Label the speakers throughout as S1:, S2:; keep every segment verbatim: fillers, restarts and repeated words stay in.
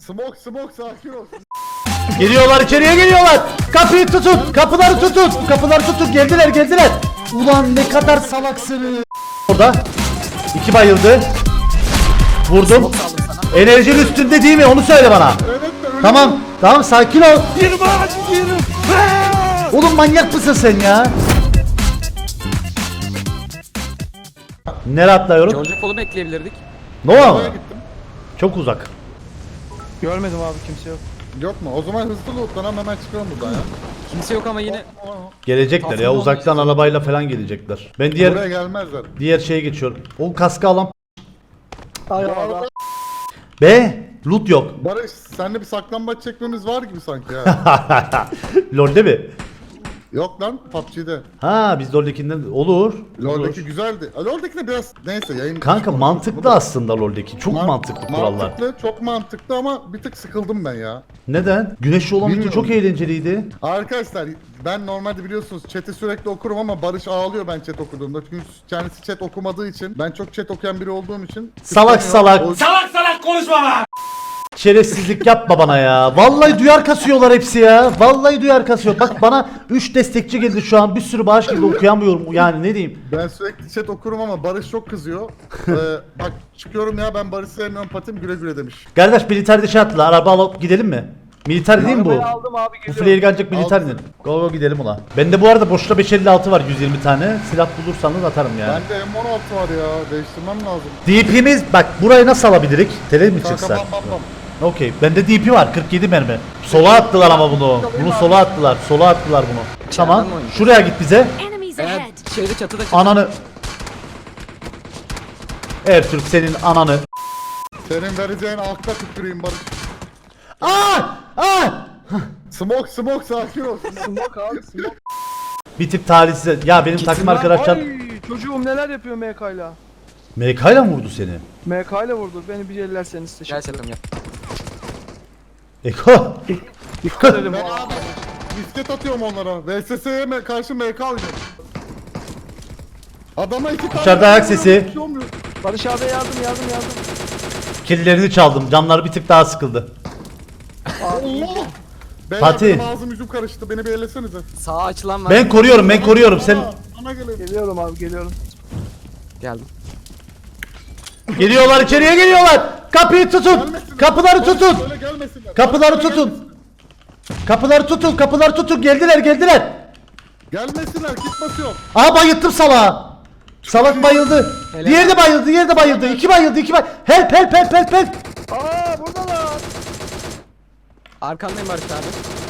S1: Smoke smoke sakin ol.
S2: Geliyorlar, içeriye geliyorlar. Kapıyı tutun, kapıları tutun, kapıları tutun. Geldiler, geldiler. Ulan ne kadar salaksınız. Orada iki bayıldı. Vurdum. Enerjinin üstünde değil mi? Onu söyle bana.
S1: Evet de öyle.
S2: Tamam, tamam sakin ol. Oğlum manyak mısın sen ya? Nereye atlıyorum?
S3: George Paul'u bekleyebilirdik.
S2: Ne o?
S1: Oraya gittim.
S2: Çok uzak.
S4: Görmedim abi, kimse yok.
S1: Yok mu? O zaman hızlı lootlanalım, hemen çıkalım buradan ya.
S3: Kimse yok ama yine
S2: Gelecekler ya,
S3: Aslında
S2: uzaktan
S3: olmayacak.
S2: arabayla falan gelecekler. Ben
S1: Buraya
S2: diğer
S1: gelmezler.
S2: diğer şeye geçiyorum. O kaskı alan.
S4: Ay
S1: Bu
S4: Allah.
S1: arada
S2: Be, loot yok.
S1: Barış, seninle bir saklambaç çekmemiz var gibi sanki ya.
S2: LoL'de mi?
S1: Yok lan, P U B G'de.
S2: Ha, biz LoL'dekinden olur.
S1: LoL'deki
S2: olur.
S1: güzeldi. A, LoL'deki de biraz neyse yayın.
S2: Kanka
S1: dışı
S2: mantıklı
S1: konuşuruz.
S2: aslında LoL'deki. Çok
S1: Man-
S2: mantıklı kurallar.
S1: Mantıklı, çok mantıklı ama bir tık sıkıldım ben ya.
S2: Neden? Güneşli olan video
S1: Bilmiyorum.
S2: çok eğlenceliydi.
S1: Arkadaşlar ben normalde biliyorsunuz chat'i sürekli okurum ama Barış ağlıyor ben chat okuduğumda. Çünkü kendisi chat okumadığı için, ben çok chat okuyan biri olduğum için.
S2: Salak salak.
S1: O-
S2: Şerefsizlik yapma bana ya. Vallahi duyar kasıyorlar hepsi ya. Vallahi duyar kasıyor. Bak bana üç destekçi geldi şu an. Bir sürü bağış geldi, okuyamıyorum. Yani ne diyeyim?
S1: Ben sürekli chat okurum ama Barış çok kızıyor. ee, bak çıkıyorum ya, ben Barış'ı sevmiyorum, patim güle güle demiş.
S2: Kardeş militer şey attılar. Araba alıp gidelim mi? Militer değil mi bu?
S4: Arabayı aldım abi,
S2: Bu
S4: geliyorum.
S2: flare gelecek militer mi? Go go gidelim ulan. Bende bu arada boşta beş elli altı var, yüz yirmi tane. Silah bulursanız atarım ya.
S1: Bende M on altı var ya, değiştirmem lazım.
S2: D P'miz bak, burayı nasıl alabilirik? Tele mi
S1: Kanka
S2: çıksa?
S1: bam bam bam.
S2: Okey. Bende D P var, kırk yedi mermi. Sola attılar ama bunu. Bunu sola attılar. Sola attılar bunu. Tamam.
S3: mı oynuyor?
S2: Şuraya git bize.
S5: Enemies
S3: eğer
S5: ahead.
S3: şeyde çatıda çatıda.
S2: Ananı. Ertürk senin ananı.
S1: Senin vereceğin akla tüküreyim Barış.
S2: Aa! Aa!
S1: Smoke smoke sakin ol.
S4: Smoke abi, smoke.
S2: Bir tip talihsiz. Ya benim takım arkadaşlar
S4: Ay çocuğum neler yapıyor M K'yla.
S2: M K ile mi vurdu seni?
S4: M K ile vurdu. Beni bir ellerseniz teşekkür
S3: Gel
S4: ederim.
S3: çatım gel.
S2: Eko.
S4: Dikkat edin bu
S1: Ben
S4: arada.
S1: abi misket atıyorum onlara. V S S'ye me- karşı M K oynuyorum. Adama iki tane...
S2: Dışarıda ayak sesi.
S1: Bir şey olmuyor.
S4: Barış abi yardım yardım yardım.
S2: Killerini çaldım. Canları bir tık daha sıkıldı.
S1: Allah! Beyler
S2: Fatih.
S1: benim ağzım yüzüm karıştı, beni bir ellesenize.
S3: Sağa açılan var.
S2: Ben koruyorum, ben koruyorum. Sen
S1: Bana, bana gelin.
S4: Geliyorum abi, geliyorum.
S3: Geldim.
S2: geliyorlar, içeriye geliyorlar. Kapıyı tutun.
S1: Gelmesinler.
S2: Kapıları
S1: Barış,
S2: tutun.
S1: Böyle gelmesinler.
S2: Kapıları
S1: Barış, böyle
S2: tutun. Kapıları tutun, kapıları tutun. Geldiler, geldiler.
S1: Gelmesinler, Gelmesinler, git basıyorum.
S2: Aa, bayılttım salağı. Salak bayıldı.
S3: Helal.
S2: Diğeri de bayıldı, diğeri de bayıldı. İki bayıldı, iki bayıldı. Help, help, help, help, help.
S4: Aa buradalar.
S3: Arkandayım Barış abi.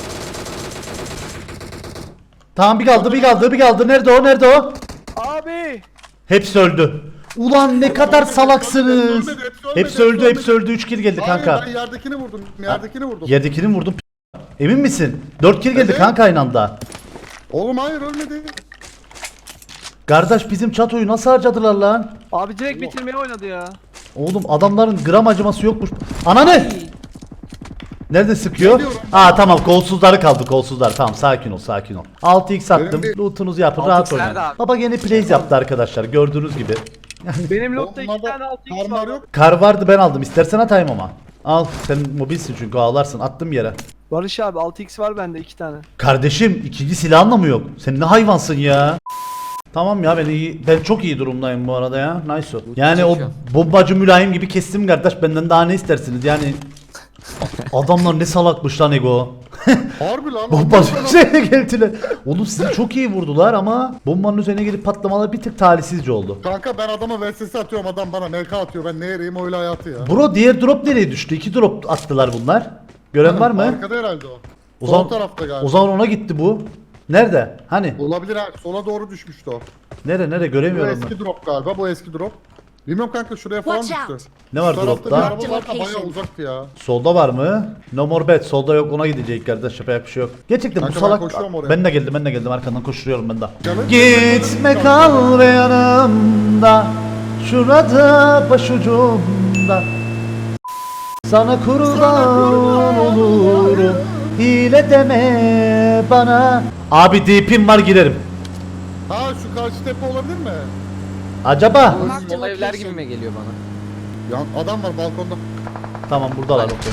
S2: Tamam, bir kaldı, bir kaldı, bir kaldı. Nerede o, nerede o?
S4: Abi.
S2: Hepsi öldü. Ulan ne kadar salaksınız.
S1: Ölmedi, hepsi ölmedi,
S2: Hepsi öldü,
S1: hepsi
S2: hepsi öldü. Üç kill geldi
S1: Hayır,
S2: kanka.
S1: ben yerdekini vurdum, yerdekini vurdum.
S2: Yerdekini vurdum. Emin misin? Dört kill geldi
S1: Evet.
S2: kanka aynı anda.
S1: Oğlum hayır, ölmedi.
S2: Kardeş bizim çatoyu nasıl harcadılar lan?
S4: Abi direkt bitirmeye oynadı ya.
S2: Oğlum adamların gram acıması yokmuş. Ananı! Nerede sıkıyor?
S1: Geliyorum.
S2: Aa tamam, kolsuzları kaldı, kolsuzlar. Tamam, sakin ol, sakin ol. altı x attım.
S1: Benim bir-
S2: Lootunuzu yapın,
S3: altı
S2: rahat
S3: x
S2: oynayın.
S3: nerede abi?
S2: Baba gene plays yaptı arkadaşlar, gördüğünüz gibi.
S4: Benim lotta iki
S1: Onlarda
S4: tane altı x
S1: karlar
S4: var.
S1: yok.
S2: Kar vardı, ben aldım. İstersen atayım ama. Al, sen mobilsin çünkü, ağlarsın. Attım yere.
S4: Barış abi altı x var bende iki tane.
S2: Kardeşim ikinci silahın da mı yok? Sen ne hayvansın ya? Tamam ya, ben iyi, ben çok iyi durumdayım bu arada ya. Nice o. Yani o
S3: Çalışıyor.
S2: bombacı mülayim gibi kestim kardeş, benden daha ne istersiniz yani? Adamlar ne salakmış lan Ego.
S1: Harbi lan.
S2: Bombanın üzerine geldiler. Oğlum sizi çok iyi vurdular ama bombanın üzerine gelip patlamalar bir tık talihsizce oldu.
S1: Kanka ben adama V S S atıyorum, adam bana M K atıyor. Ben ne yarayım öyle hayatı ya.
S2: Bro, diğer drop nereye düştü? İki drop attılar bunlar. Gören var mı?
S1: Arkada herhalde o.
S2: O
S1: Sol
S2: zaman,
S1: tarafta galiba.
S2: o zaman ona gitti bu. Nerede? Hani?
S1: Olabilir ha. Sola doğru düşmüştü o.
S2: Nere nere
S1: Bu
S2: göremiyorum ben.
S1: eski drop galiba. Bu eski drop. Bilmiyorum kanka, şuraya falan
S5: Watch
S1: düştü.
S5: out.
S2: Ne var
S1: Şu tarafta bir
S2: dropta?
S1: araba var da bayağı uzaktı ya.
S2: Solda var mı? No more bet. Solda yok, ona gidecek kardeş. Yapacak bir şey yok. Gerçekten
S1: Kanka
S2: bu
S1: ben
S2: salak.
S1: koşuyorum oraya.
S2: Ben de geldim, ben de geldim. Arkandan koşturuyorum ben de.
S1: Canım.
S2: Gitme kal ve yanımda. Şurada başucumda. Sana kurban olurum. Hile deme bana. Abi deep'im var, girerim.
S1: Ha şu karşı tepe olabilir mi?
S2: Acaba?
S3: Sol evler gibi mi geliyor bana?
S1: Ya adam var balkonda.
S2: Tamam, buradalar okey.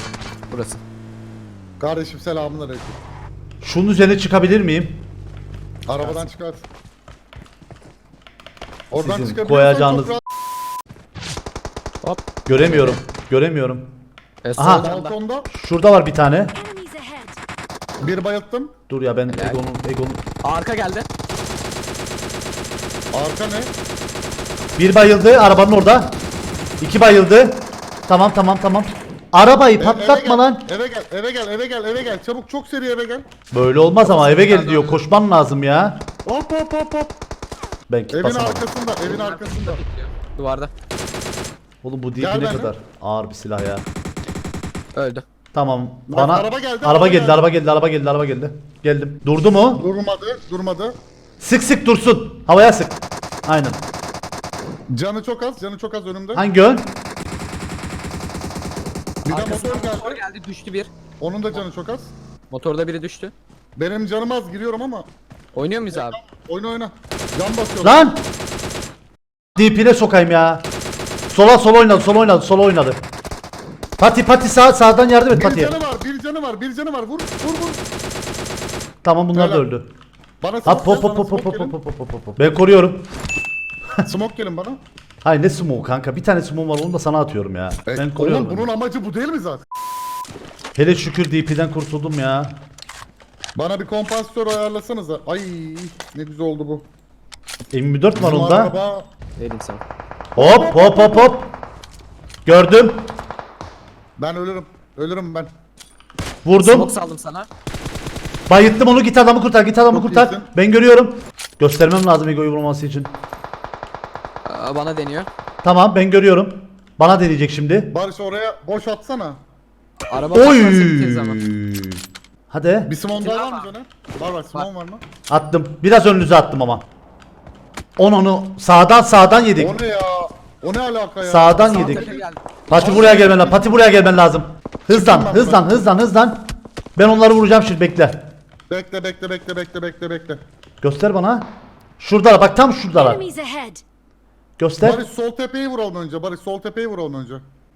S3: Burası.
S1: Kardeşim selamünaleyküm.
S2: Şunun üzerine çıkabilir miyim?
S1: Arabadan çıkar. Oradan
S2: Sizin
S1: çıkabiliyorsan
S2: koyacağınız-
S1: çok rahat.
S3: Hop.
S2: Göremiyorum. Göremiyorum.
S3: E,
S2: Aha.
S3: sol camda.
S1: Balkonda
S2: Şurada var bir tane.
S5: Enemies ahead.
S1: bir bayılttım.
S2: Dur ya ben
S3: Helal.
S2: Egon'un Egon'un
S3: Arka geldi.
S1: Arka ne?
S2: bir bayıldı arabanın orada. İki bayıldı. Tamam tamam tamam. Arabayı
S1: E-
S2: patlatma
S1: eve
S2: lan.
S1: gel, Eve gel, eve gel, eve gel, eve gel. Çabuk çok seri eve gel.
S2: Böyle olmaz ama eve gel diyor. Koşman lazım ya.
S1: Hop hop hop hop.
S2: Ben kit
S1: Evin
S2: basamadım.
S1: arkasında, evin arkasında.
S3: Duvarda.
S2: Oğlum bu
S1: Gel
S2: D P ne
S1: benimle.
S2: kadar ağır bir silah ya.
S3: Öldü.
S2: Tamam.
S1: Lan
S2: Bana
S1: araba geldi,
S2: araba
S1: araba
S2: geldi,
S1: geldi.
S2: araba geldi, araba geldi, araba geldi. Geldim. Durdu mu?
S1: Durmadı, durmadı.
S2: Sık sık dursun. Havaya sık. Aynen.
S1: Canı çok az, canı çok az önümde.
S2: Hangi ön?
S1: Bir de
S3: Arkasından
S1: motor
S3: motor
S1: geldi.
S3: geldi düştü bir.
S1: Onun da canı çok az.
S3: Motorda biri düştü.
S1: Benim canım az giriyorum ama.
S3: Oynuyor muyuz abi?
S1: Oyna oyna. Can basıyorum.
S2: Lan! D P'ne sokayım ya. Sola sola oynadı, sola oynadı, sola oynadı. Pati pati sağ sağdan yardım et
S1: Bir
S2: Pati'ye.
S1: canı var, bir canı var, bir canı var. Vur, vur, vur.
S2: Tamam bunlar da
S1: Helal.
S2: öldü.
S1: Bana
S2: Hop
S1: smoke
S2: hop
S1: gelin,
S2: hop
S1: bana
S2: hop hop
S1: smoke
S2: hop
S1: gelin.
S2: hop hop hop hop. Ben koruyorum.
S1: Smoke gelin bana.
S2: Hayır ne smoke kanka? Bir tane smoke var onu da sana atıyorum ya.
S1: E,
S2: Ben koruyorum.
S1: Oğlum bunun amacı bu değil mi zaten?
S2: Hele şükür D P'den kurtuldum ya.
S1: Bana bir kompansatör ayarlasanıza. Ay ne güzel oldu bu.
S2: M yirmi dört var
S1: Bizim
S2: onda.
S1: araba-
S3: Vereyim sana.
S2: Hop hop hop hop. Gördüm.
S1: Ben ölürüm. Ölürüm ben.
S2: Vurdum.
S3: Smoke saldım sana.
S2: Bayıttım onu, git adamı kurtar, git adamı
S1: Çok
S2: kurtar.
S1: iyisin.
S2: Ben görüyorum. Göstermem lazım Ego'yu vurması için.
S3: Aa, bana deniyor.
S2: Tamam ben görüyorum. Bana deneyecek şimdi.
S1: Barış oraya boş atsana.
S3: Araba
S2: Oy.
S3: patlarsa biteriz ama.
S2: Hadi.
S1: Bir simon daha var mı
S3: Var.
S1: canım? Var var simon var mı?
S2: Attım. Biraz önünüze attım ama. On onu sağdan sağdan yedik.
S1: O ne ya? O ne alaka ya?
S2: Sağdan
S3: Sağ
S2: yedik.
S3: tepe geldi.
S2: Pati buraya gelmen lazım. Pati buraya gelmen lazım. Hızlan,
S1: Çıktım ben
S2: hızlan,
S1: buradan.
S2: hızlan, hızlan. Ben onları vuracağım şimdi, bekle.
S1: Bekle bekle bekle bekle bekle bekle.
S2: Göster bana. Şuradalar, bak tam şuradalar.
S5: Enemies ahead.
S2: Göster.
S1: Barış sol tepeyi vuralım önce. Barış sol tepeyi vuralım önce.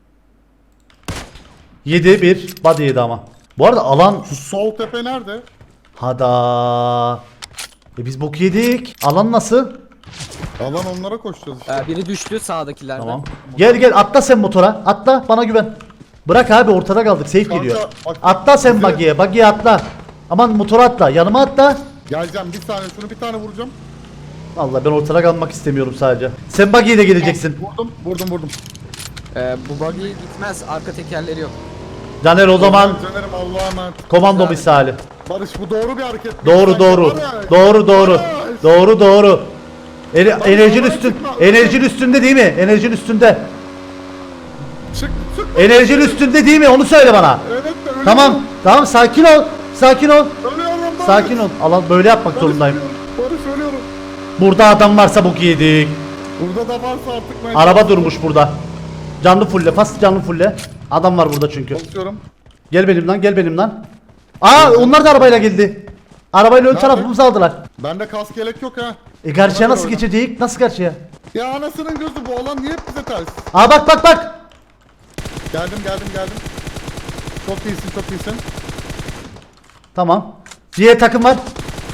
S2: yedi bir. Body yedi ama. Bu arada alan
S1: Şu sol tepe nerede?
S2: hada. E biz bok yedik. Alan nasıl?
S1: Alan onlara koşacağız işte.
S3: Ee, biri düştü sağdakilerden.
S2: Tamam. Gel gel atla sen motora. Atla, bana güven. Bırak abi, ortada kaldık. Safe
S1: Kanka,
S2: geliyor.
S1: bak-
S2: Atla sen
S1: bize-
S2: buggy'e. Buggy'e atla. Aman motora atla. Yanıma atla.
S1: Geleceğim bir saniye şunu bir tane vuracağım.
S2: Vallahi ben ortada kalmak istemiyorum sadece. Sen buggy ile geleceksin.
S1: Vurdum vurdum vurdum.
S3: Ee, bu buggy gitmez. Arka tekerleri yok.
S2: Caner o zaman
S1: Caner'im Allah'a emanet.
S2: komando
S3: Güzel.
S2: misali.
S1: Barış bu doğru bir hareket.
S2: Doğru
S1: Sen-
S2: doğru.
S1: Barış!
S2: Doğru doğru.
S1: Barış!
S2: Doğru doğru. Ene- enerjin
S1: oraya
S2: üstün.
S1: çıkma.
S2: Enerjin üstünde değil mi? Enerjin üstünde.
S1: Çık çık.
S2: Enerjin üstünde değil mi? Onu söyle bana.
S1: Evet de ölüyorum.
S2: Tamam. Tamam sakin ol. Sakin ol.
S1: Ölüyorum Barış.
S2: Sakin ol. Alan böyle yapmak
S1: Barış
S2: zorundayım.
S1: ölüyorum. Barış ölüyorum.
S2: Burada adam varsa bok yedik.
S1: Burada da varsa artık ben...
S2: Araba durmuş burada. Canlı fulle. Fast canlı fulle. Adam var burada çünkü.
S1: Basıyorum.
S2: Gel benim lan, gel benim lan. Aa onlar da arabayla geldi. Arabayla ön
S1: Nerede?
S2: tarafımızı aldılar.
S1: Bende kask yelek yok ha.
S2: E karşıya
S1: Ona
S2: nasıl
S1: göre
S2: geçecek? Nasıl karşıya?
S1: Ya anasının gözü bu alan niye hep bize ters?
S2: Aa bak bak bak.
S1: Geldim geldim geldim. Çok iyisin çok iyisin.
S2: Tamam. Diğer takım var.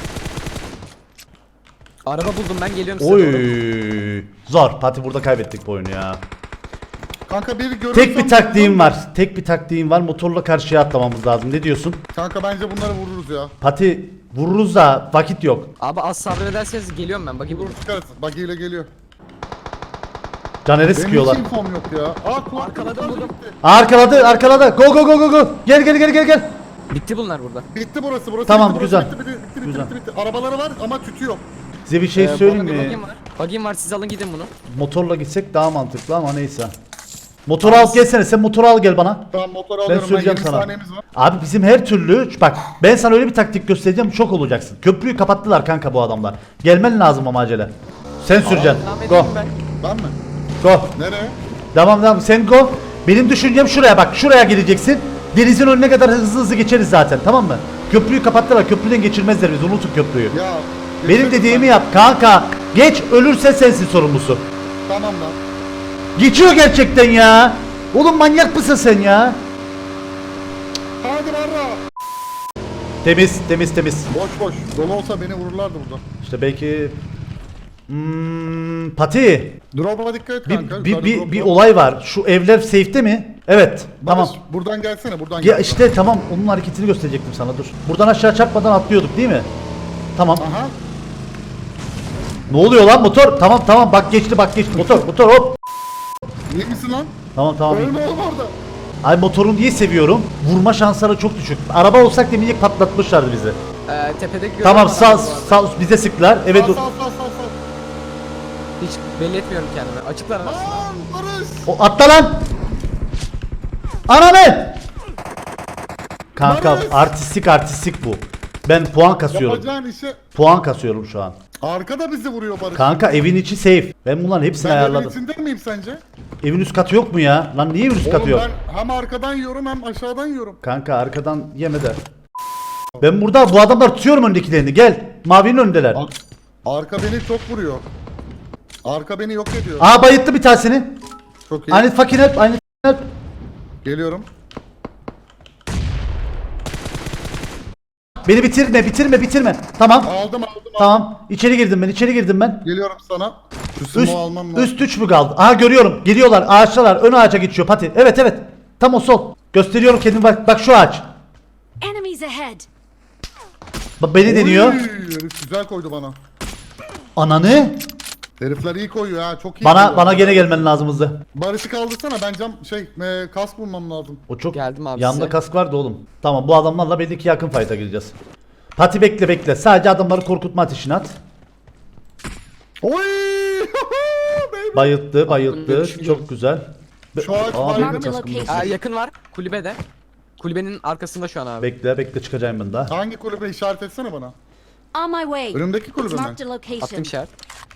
S3: Araba buldum ben, geliyorum size doğru.
S2: Oy. Zor. Pati burada kaybettik bu oyunu ya.
S1: Kanka biri görürsem...
S2: Tek bir taktiğim var. Tek bir taktiğim var. Motorla karşıya atlamamız lazım. Ne diyorsun?
S1: Kanka bence bunları vururuz ya.
S2: Pati vururuz da vakit yok.
S3: Abi az sabrederseniz geliyorum ben. Buggy
S1: Vurur
S3: vurur.
S1: çıkarız. Buggy ile geliyor.
S2: Caner'e
S1: Benim
S2: sıkıyorlar.
S1: hiç infom yok ya. Aa kulak
S3: Arkaladım, vurdum.
S2: Arkaladı, arkaladı. Go go go go go. Gel gel gel gel gel.
S3: Bitti bunlar burada.
S1: Bitti burası burası.
S2: Tamam,
S1: bitti, burası,
S2: güzel.
S1: Bitti, bitti, bitti,
S2: Güzel.
S1: bitti, bitti, bitti. Arabaları var ama tütü yok.
S2: Size bir şey
S3: Ee, bu
S2: söyleyeyim
S3: arada bir
S2: mi?
S3: buggy'm var. Buggy'm var, siz alın gidin bunu.
S2: Motorla gitsek daha mantıklı ama neyse. Motoru al gelsene. Sen motoru al gel bana.
S1: Tamam motoru
S2: Ben
S1: alıyorum.
S2: söyleyeceğim
S1: yirmi
S2: sana.
S1: saniyemiz var.
S2: Abi bizim her türlü bak ben sana öyle bir taktik göstereceğim, şok olacaksın. Köprüyü kapattılar kanka bu adamlar. Gelmen lazım ama acele. Sen süreceksin.
S3: Devam
S2: Go.
S3: edeyim ben.
S1: Ben mi?
S2: Go.
S1: Nereye?
S2: Tamam tamam sen go. Benim düşüncem şuraya bak. Şuraya geleceksin. Denizin önüne kadar hızlı hızlı geçeriz zaten, tamam mı? Köprüyü kapattılar. Köprüden geçirmezler biz. Unutun köprüyü.
S1: Ya.
S2: Benim
S1: geçelim
S2: dediğimi
S1: ben.
S2: yap kanka. Geç, ölürse sensin sorumlusu.
S1: Tamam lan.
S2: Geçiyor gerçekten ya. Oğlum manyak mısın sen ya?
S1: hadi barra.
S2: Temiz temiz temiz.
S1: Boş boş. Dolu olsa beni vururlardı burada.
S2: İşte belki hmm, Pati
S1: Drop'a dikkat et
S2: bir,
S1: kanka.
S2: bir,
S1: Yukarıda
S2: bir,
S1: drop
S2: bir
S1: var.
S2: olay var. Şu evler safe'te mi? Evet.
S1: Barış,
S2: Tamam.
S1: buradan gelsene buradan
S2: Ya
S1: gel.
S2: işte tamam onun hareketini gösterecektim sana dur. Buradan aşağı çarpmadan atlıyorduk değil mi? Tamam.
S1: Aha.
S2: Ne oluyor lan motor? Tamam tamam bak geçti bak geçti motor motor hop.
S1: İyi misin lan?
S2: Tamam tamam. iyi.
S1: Ölme oğlum orada.
S2: Ay motoru niye seviyorum? Vurma şansları çok düşük. Araba olsak demeyecek patlatmışlardı bizi.
S3: Ee, tepedeki
S2: Tamam
S3: görüyorum
S2: sağ
S3: adamı bu arada.
S2: sağ bize sıktılar. Evet
S1: Sağ
S2: dur.
S1: sağ sağ sağ sağ.
S3: Hiç belli etmiyorum kendimi. Açıklar arasında.
S1: Lan Barış.
S2: O atla lan. Ananı. Kanka
S1: Barış!
S2: artistik artistik bu. Ben puan kasıyorum.
S1: Yapacağın işe.
S2: Puan kasıyorum şu an.
S1: Arkada bizi vuruyor Barış.
S2: Kanka evin içi safe. Ben bunların hepsini
S1: Ben evin
S2: ayarladım.
S1: içinde miyim sence?
S2: Evin üst katı yok mu ya? Lan niye evin üst katı
S1: Oğlum
S2: yok?
S1: ben hem arkadan yiyorum hem aşağıdan yiyorum.
S2: Kanka arkadan yeme de. Ben burada bu adamlar tutuyorum öndekilerini. Gel. Mavinin öndeler.
S1: Ar- Arka beni çok vuruyor. Arka beni yok ediyor.
S2: Aa bayıttı bir tanesini.
S1: Çok iyi.
S2: Aynı fucking help. Aynı help.
S1: Geliyorum.
S2: Beni bitirme bitirme bitirme. Tamam.
S1: Aldım aldım aldım.
S2: Tamam. İçeri girdim ben. içeri girdim ben.
S1: Geliyorum sana. Şu
S2: Üst,
S1: sumo almam lazım.
S2: üst üç mü kaldı? Aha görüyorum. Geliyorlar. Ağaçtalar. Ön ağaca geçiyor Pati. Evet evet. Tam o sol. Gösteriyorum kendimi bak. Bak şu ağaç.
S5: Enemies ahead.
S2: Bak beni deniyor.
S1: Oy, herif güzel koydu bana.
S2: Ananı.
S1: Herifler iyi koyuyor ha, çok iyi.
S2: Bana
S1: koyuyor.
S2: bana gene gelmen lazımdı.
S1: Barış'ı kaldırsana, ben cam şey e, kas bulmam lazım.
S2: O çok
S3: Geldim abi
S2: yanında
S3: size.
S2: kask vardı oğlum. Tamam bu adamlarla belli ki yakın fight'a gireceğiz. Pati bekle bekle. Sadece adamları korkutma ateşini at.
S1: Oy! Baby.
S2: Bayılttı bayılttı.
S3: görüşüm
S2: Çok güzel.
S1: Şu ağaç
S2: Aa,
S1: var
S2: benim de
S5: Marked a
S2: kaskım yok.
S5: location.
S3: Aa, yakın var. Kulübede. Kulübenin arkasında şu an abi.
S2: Bekle bekle çıkacağım ben daha.
S1: Hangi kulübe işaret etsene bana.
S5: On my way.
S1: Önümdeki kulübe mi?
S5: Marked a location.
S3: Attım işaret.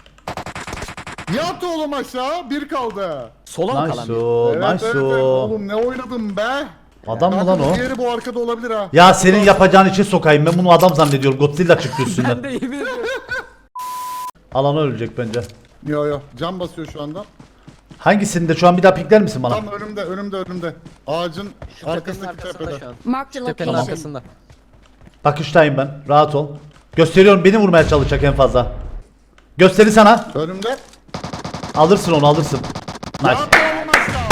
S1: Yat oğlum aşağı, bir kaldı.
S3: Sola mı kalan
S2: Nice
S3: bir?
S2: o
S1: Evet,
S2: nice
S1: evet, evet.
S2: o.
S1: Oğlum ne oynadım be.
S2: Adam mı
S1: Kanka,
S2: lan o?
S1: Diğeri bu arkada olabilir ha.
S2: Ya senin yapacağın için sokayım. Ben bunu adam zannediyorum. Godzilla çıktı üstünden.
S3: Ben de yemin ediyorum.
S2: Alana ölecek bence.
S1: Yo yo, cam basıyor şu anda.
S2: Hangisinde şu an bir daha pikler misin bana?
S1: Tam önümde, önümde, önümde. Ağacın
S3: Şu tepenin
S1: arkasındaki
S3: arkasında
S1: tepede.
S3: şu an.
S5: Marked a
S3: Tepenin
S5: location.
S3: arkasında.
S2: Bakıştayım ben. Rahat ol. Gösteriyorum beni vurmaya çalışacak en fazla. Gösteri sana.
S1: Önümde.
S2: Alırsın onu alırsın. Nice.
S1: Yat oğlum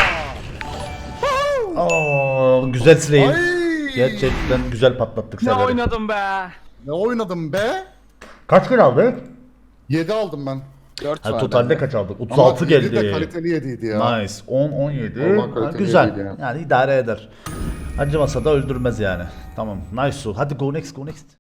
S1: aşağı.
S2: Oo, güzel silahım.
S1: Ay!
S2: Gerçekten güzel patlattık
S4: Ne
S2: serveri.
S4: oynadım be.
S1: Ne oynadım be?
S2: Kaç kill aldık?
S1: yedi aldım ben.
S3: dört
S2: Ha,
S3: var.
S2: totalde
S3: bende.
S2: kaç aldık? otuz
S1: Ama
S2: altı
S1: yedi de
S2: geldi.
S1: kaliteli yediydi ya.
S2: Nice. on on yedi.
S1: Allah
S2: Ha,
S1: kaliteli
S2: güzel.
S1: yediydi ya.
S2: Yani idare eder. Acımasa da öldürmez yani. Tamam. Nice. Hadi go next go next.